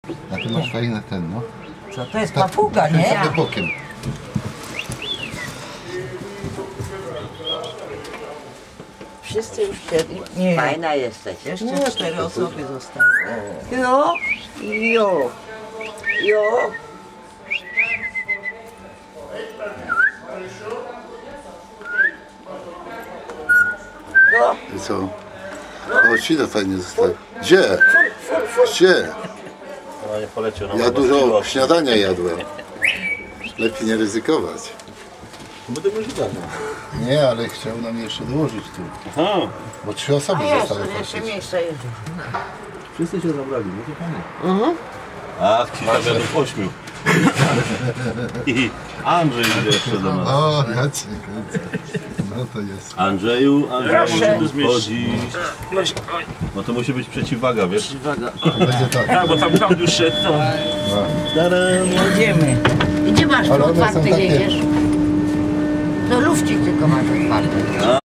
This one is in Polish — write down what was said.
A ty masz fajny ten, no. Co to jest papuga, nie? Tak bokiem. Wszyscy już siedli. Nie. Fajna jesteś. Jeszcze 4 osoby zostały. Jo, jo, jo. No, I co? O, świnę fajnie zostawił. Gdzie? Gdzie? No nie poleciał. No, Ja dużo śniadania jadłem. Lepiej nie ryzykować. Będę możliwe. Nie, ale chciał nam jeszcze dołożyć tu. Aha. Bo 3 osoby zostały jeszcze patrzeć. miejsce jest. Wszyscy się zabrali, no to fajnie. A, kilka będą 8. I Andrzej idzie jeszcze do nas. O, ja cię kręcę. No to jest. Andrzeju, muszę tu zmieścić. No to musi być przeciwwaga, wiesz? Będzie tak. Tak, bo tam już szedł. Jedziemy. I ty masz Ale one są otwarty takie- jedziesz? No lufcik tylko masz otwarty.